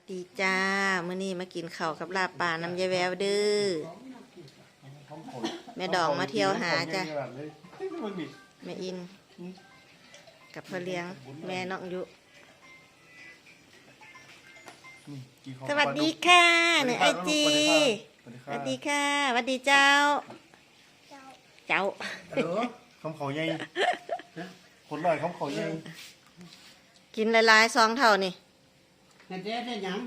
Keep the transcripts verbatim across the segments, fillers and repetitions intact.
ดีจ้ามื้อนี้มากินข้าวกับลาบปลาน้ำยายแววเด้อแม่ดองมาเที่ยวหาจ้ะแม่อินกับพ่อเลี้ยงแม่น้องยุสวัสดีค่ะหนึ่งไอจีสวัสดีค่ะสวัสดีเจ้าเจ้าคำเขาใหญ่คนลอยคำเขาใหญ่กินหลายๆซองเท่านี่แม่แจ๊ดได้ยัง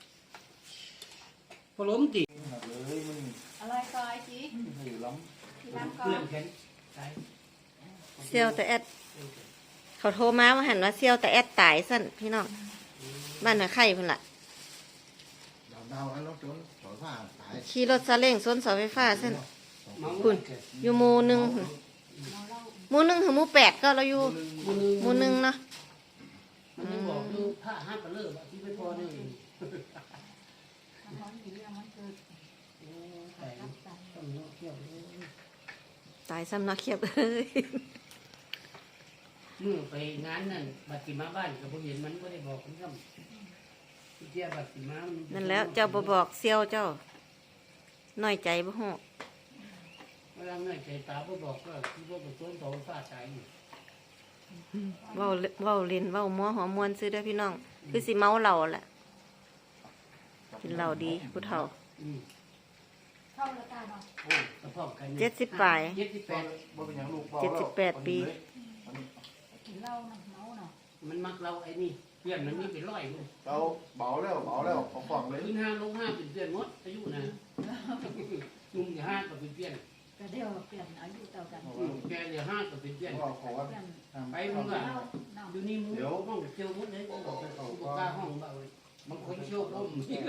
พอล้มติเลยมันอะไรก็ไอจีอยู่ล้ำล้ำก็เพื่อนแขนเซียวแต่แอดเขาโทรมาว่าหันว่าเซียวแต่แอดตายสั่นพี่น้องบ้านน่ะไข่เพิ่นล่ะขี่รถซาเล้งส้นเสาไฟฟ้าสั่นคุณอยู่หมู่หนึ่งหมู่หนึ่งถึงหมู่แปดก็เราอยู่หมู่หนึ่งเนาะมันยังบอกดูผ้าห้ามกระเลิกที่ไม่พอนี่ตายซ้ำนักเขียบเอ้ยเมื่อไปงานนั่นบัตรมาบ้านกับผมเห็นมันไม่ได้บอกผมซ้ำเจ้าบัตรมานั่นแล้วเจ้าบ่บอกเซียวเจ้าน้อยใจบ่ฮู้เวลาเมื่อใจตาบ่บอกก็ที่ว่าเป็นต้นโตฟาดใจเว้าเว้าเล่นเว้ามัวหัวมวนซื้อได้พี่น้องคือสิเมาเหล้าแหละกินเหล้าดีผู้เฒ่าเข้าแล้วตาเนาะโอ้กระเพาะกันเจ็ดสิบปลายเจ็ดสิบแปดเจ็ดสิบแปดปีกินเหล้าเนาะเมาเนาะมันมักเราไอ้นี่เพื่อนมันนี่เป็นร้อยเลยเราเบาแล้วเบาแล้วของฝั่งเลยขึ้นห้าลงห้าเป็นเพื่อนมดอายุนะนุ่มอย่าห้าก็เป็นเพื่อนก็เดี๋ยวเปลี่ยนอายุเท่ากันแกเดี๋ยวห้าก็เป็นเพื่อนไปมึงอ่ะอยู่นี่มึงห้องเชียวมุดเลยบอกไปเขาบอกกล้าห้องเบาเลยบางคนเชียวก้ม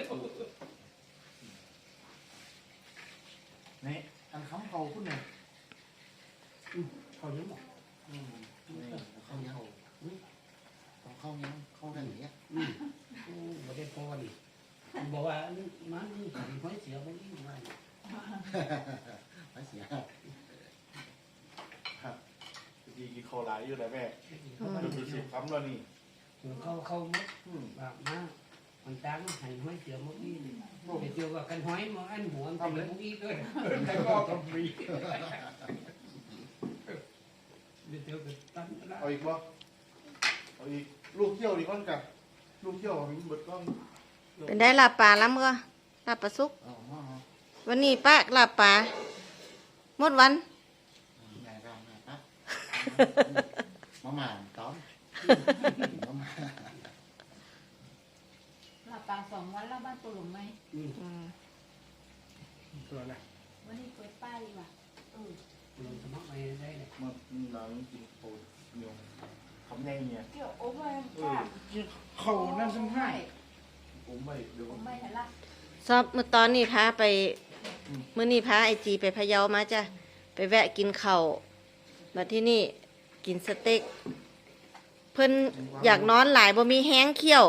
นี่อันคำเขาคุณเนี่ยเขาเยอะบอกเขายังเขายังเขาได้อย่างเงี้ยบ่ได้พอดิบอกว่ามันนี่ขันไฟเสียมันยิ่งมาไฟเสียดีกินข้าวหลายอยู่แล้วแม่ดูสิคำแล้วนี่เขาเขาแบบมามันจ้างให้ห้อยเสียมันยิ่งเดี๋ยวว่ากันห้อยมาอันหัวทำเลยมันยิ่งด้วยแต่ก็ทำฟรีเดี๋ยวจะตั้งเอาอีกบ่เอาอีกลูกเที่ยวดีก้อนกับลูกเที่ยวมีเบิดก้อนเป็นได้ลาบปลาล้ำก็ลาบปลาซุกวันนี้ป้าลาบปลาหมดวันมาหม่ต้อมหลับตาสองวันแล้วบ้านปลุกไหมตัวอะไรวันนี้เปิดป้ายว่ะเออลงสมัครไปได้เลยมันเรากินโคเนียวทำไงเนี่ยเกี่ยวโอ้ไม่เขานั่นซึ่งให้ผมไม่เดี๋ยวผมไม่เห็นละชอบเมื่อตอนนี้พาไปเมื่อนี้พาไอจีไปพะเยามาจ้ะไปแวะกินข้าวมาที่นี่กินสเต็กเพิ่นอยากนอนหลายบ่มีแห้งเขี้ยว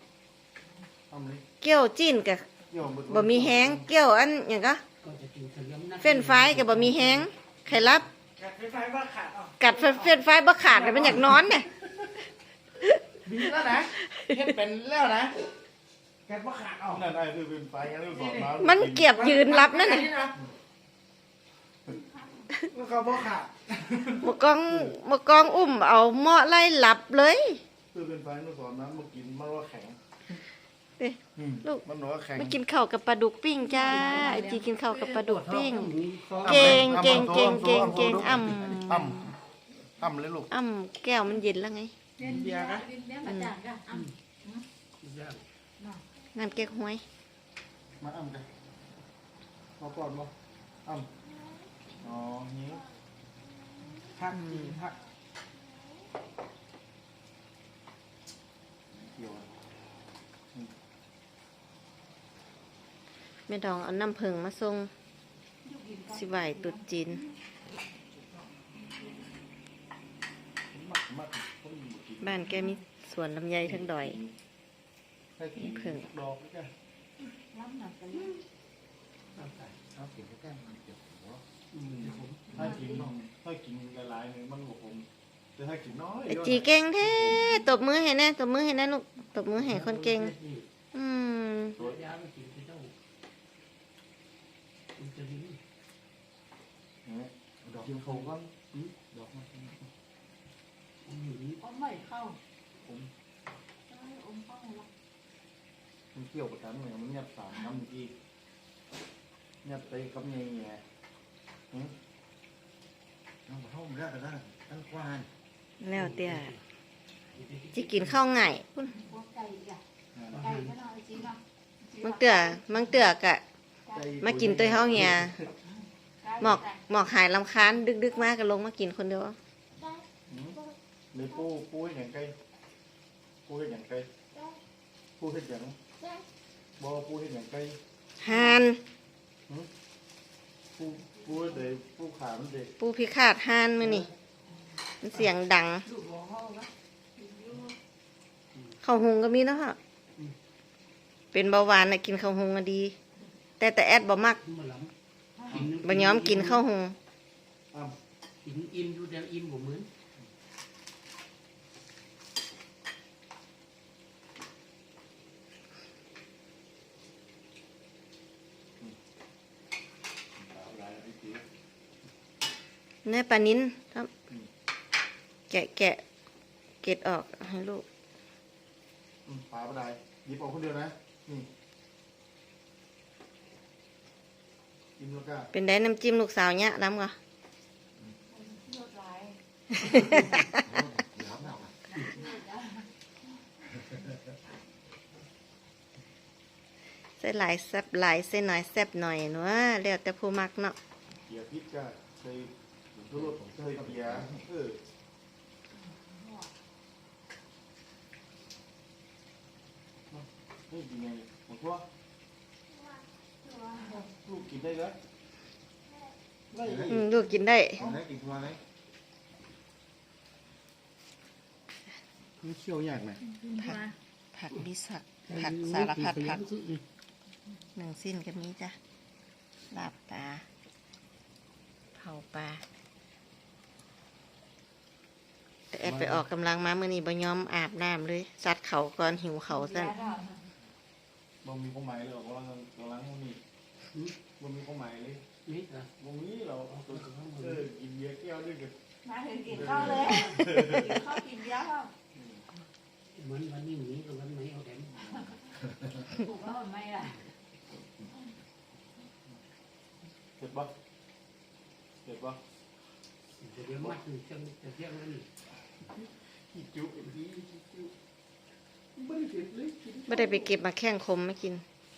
เกี้ยวจิ้นกับบ่มีแห้งเกี้ยวอันอย่างก็เฟ้นไฟกับบ่มีแห้งไข่ลับกัดเฟ้นไฟบ่ขาดแต่มันอยากนอนเนี่ยดีแล้วนะเฮ็ดเป็นแล้วนะแกบ่ขาดออกนั่นไอ้คือเป็นไฟงั้นเลยบอกมามันเก็บยืนรับนั่นน่ะมันก็บ่ขาดมะกองมะกองอุ้มเอาหม้อไล่หลับเลยคือเป็นไฟนู่นสอนน้ำมากินมันว่าแข็งลูกมันว่าแข็งมากินข้าวกับปลาดุกปิ้งจ้าไอจีกินข้าวกับปลาดุกปิ้งเก่งเก่งเก่งเก่งเก่งอ่ำอ่ำอ่ำเลยลูกอ่ำแก้วมันเย็นแล้วไงเย็นเบียร์นะเย็นมาจากกันอ่ำงานเก๊กหวยมาอ่ำกันมาปอดบ่อ่ำอ๋อนี้หักหักแม่ดองเอาน้ำผึ้งมาส่งสิไหวตุดจีนบ้านแกมีสวนลำไยทั้งดอยมีผึ้งถ้ากินถ้ากินหลายๆเนี่ยมันบอกผมแต่ถ้ากินน้อยไอจีเก่งแท้ตบมือให้แน่ตบมือให้แน่ลูกตบมือให้คนเก่งอืมจะดีเนี่ยดอกกินเขาก็ดอกมันผมอยู่นี่อมไม่เข้าผมเอ้ยอมเข้าละมันเกี่ยวกับกันเนี่ยมันเงียบสามน้ำอีกเงียบไปกับเงี้ยเงี้ยหืมน้ำเข้าไม่ได้แต่ละตั้งกวานแล้วเตี้ยจิกินข้าวง่ายพุ่นพวกไก่อ่ะไก่ก็น่าจริงเนาะบางเตื้อมังเตื้อกะมากินตัวเฮาเหียหมอกหมอกหายลำคาญดึกๆมากก็ลงมากินคนเดียวในปูปูให้อย่างไกลปูให้อย่างไกลปูให้อย่างบ่ปูให้อย่างไกลหานปูปูเด็กปูขามันเด็กปูพิฆาตหานมื้อนี่มันเสียงดังลูกบอกเขาละข้าวหุงก็มีเนาะฮะเป็นเบาหวานน่ะกินข้าวหุงก็ดี แต่แต่แอดบ่มักมาหลังบ่ยอมกินข้าวหุงอ้าวกินอิ่มอยู่แต่อิ่มบ่เหมือนเนื้อปลานิ้นครับแกะแกะเกล็ดออกให้ลูกปลาปลาได้หยิบออกคนเดียวนะนี่กินแล้วก็เป็นได้น้ำจิ้มลูกสาวเนี่ยน้ำก็เลือดไหลใส่หลายแซ่บหลายใส่หน่อยแซ่บหน่อยเนาะแล้วแต่ผู้มักเนาะเกียร์พริกก็ใส่ทุรสใส่เกียร์เออนี่กินไงหมดทั่วลูกกินได้แล้วได้อืมลูกกินได้กินได้กินทั่วเลยนี่เคี่ยวยากไหมผักผักมีสักผักสารพัดผักหนึ่งสิ้นก็มีจ้ะลาบปลาเผาปลาแต่แอดไปออกกำลังมาเมื่อนี้บ่ยอมอาบน้ำเลยซัดเขาก่อนหิวเขาสั่นบ่มีความหมายเลยหรอกว่าเราล้างมันนี่บ่มีความหมายเลยนี่จ้ะบ่มีเราเออกินเบียร์แก้วด้วยกันมาถึงกินข้าวเลยกินข้าวกินเยอะครับเหมือนวันนี้หนีกับวันไหนเอาแต่ถูกแล้วมันไม่ล่ะเสร็จปะเสร็จปะเดี๋ยวมัดถึงจะจะเที่ยงแล้วนี่ขี้จุ๊อีขี้จุ๊ไม่ได้เสร็จเลยไม่ได้ไปเก็บมาแข้งคมไม่กิน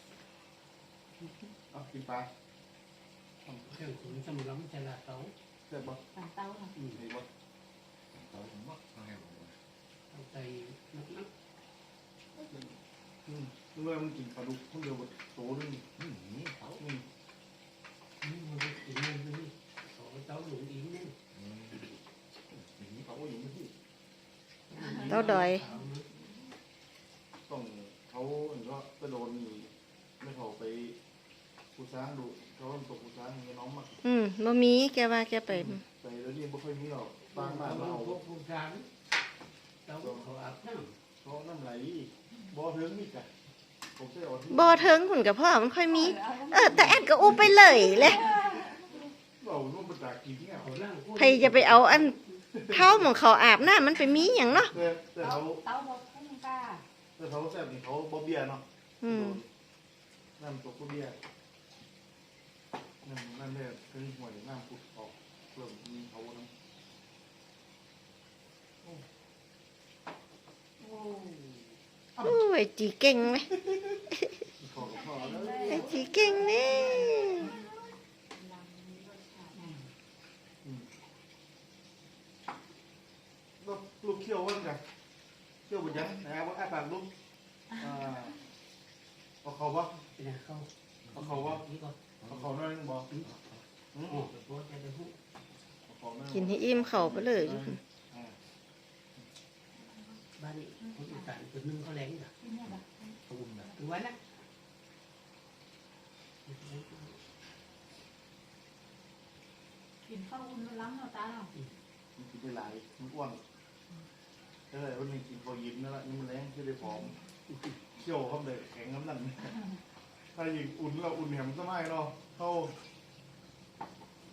เอากินปลาเครื่องขุนสมุนไพรละเตาเสร็จปะต่างเต้าค่ะอืมเสร็จปะเอาไปนักนักอืมเมื่อมันกินปลาดุกคนเดียวบดโตนึงอืมนี่เขาอืมนี่มันกินเงินนี่ขอเตาหลุมอีกนี่อย่างนี้เขาก็อยู่ไม่ที่เต้าดอยต้องเขาเห็นว่าจะโดนนี่ไม่เขาไปผู้ช้างดูเขาตกผู้ช้างอย่างเงี้ยน้องมากอืมบ่มีแกว่าแกไปแต่แล้วนี่ไม่ค่อยมีหรอกบางบ้านเราเราพวกผู้ชายเตาเขาอาบน้ำเขาน้ำไหลบ่อเทิงนี่กะผมใช้เอาที่บ่เทิงหุ่นกับพ่อมันค่อยมี เออ แต่แอดก็อู้ไปเลยแหละเราโน่นมาจากกินเนี่ยเขาล่างใครจะไปเอาอันเท้าของเขาอาบน้ำมันไปมีอย่างเนาะแต่แต่เต้าเขาเต้าบดให้มันกล้าแต่เขาแซ่บนี่เขาบ่เบียร์เนาะอืมน้ำตกบ่เบียร์นั่นนั่นแหละคือหวยน้ำปุดออกเริ่มมีเขาน้โอ้โอ้ยจีเก่งไหมำขอกับพ่อแล้วไอ้จีเก่งนี่ลำมีรสชาติลูกลูกเคี่ยววันกันเคี่ยวบุญยังนะครับว่าอ้าปากลูกอ่าเอาเขาบ่เป็นเขาเอาเขาบ่นี่ก็เอาเขาหน่อยนึงบ่อืมโอ้โหจะได้หูเอาเขาหน่อยกินให้อิ่มเขาไปเลยอ่าบ้านนี้คนอีสานคนนึงเขาแรงจ้ะที่เนี่ยแบบถึงวันนะกินข้าวอุ่นแล้วล้างเอาตาเรามันกินได้หลายมันอ้วนเออวันหนึงกินพอยิ้มนั่นแหละนี่มันแรงคือได้ผอมเคี่ยวเขาเลยแข็งน้ำหนักถ้ายิงอุ่นเราอุ่นแหมสมัยเนาะเข้า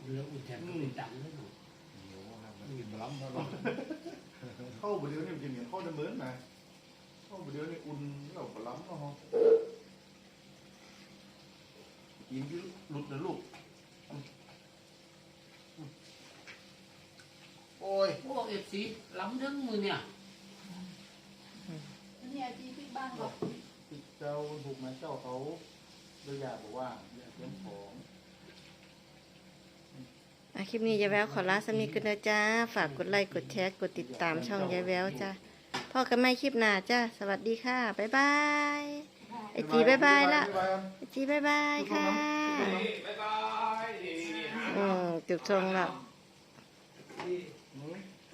แล้วอุ่นแทนก็เป็นจังเลยเนาะโอ้โหมันกินมาล้ำแล้วเนาะเข้าไปเดี๋ยวนี่มันกินเหมือนเข้าเดิมๆนะเข้าไปเดี๋ยวนี่อุ่นแล้วมาล้ำเนาะกินที่หลุดนะลูกโอ้ยพวกเอฟซีล้ำทั้งมือเนี่ยนี่อาจีที่บ้านบอกติดเจ้าถูกไหมเจ้าเขาโดยอยากบอกว่าอยากเตรียมของอ่ะคลิปนี้ยายแววขอลาสามีกันนะจ้า ฝากกดไลค์กดแชร์กดติดตามช่องยายแววจ้าพ่อกันไม่คลิปหน้าจ้าสวัสดีค่ะ บ๊ายบายไอจีบ๊ายบายละไอจีบ๊ายบายค่ะบ๊ายบายอืมจุดทรงแล้วอืม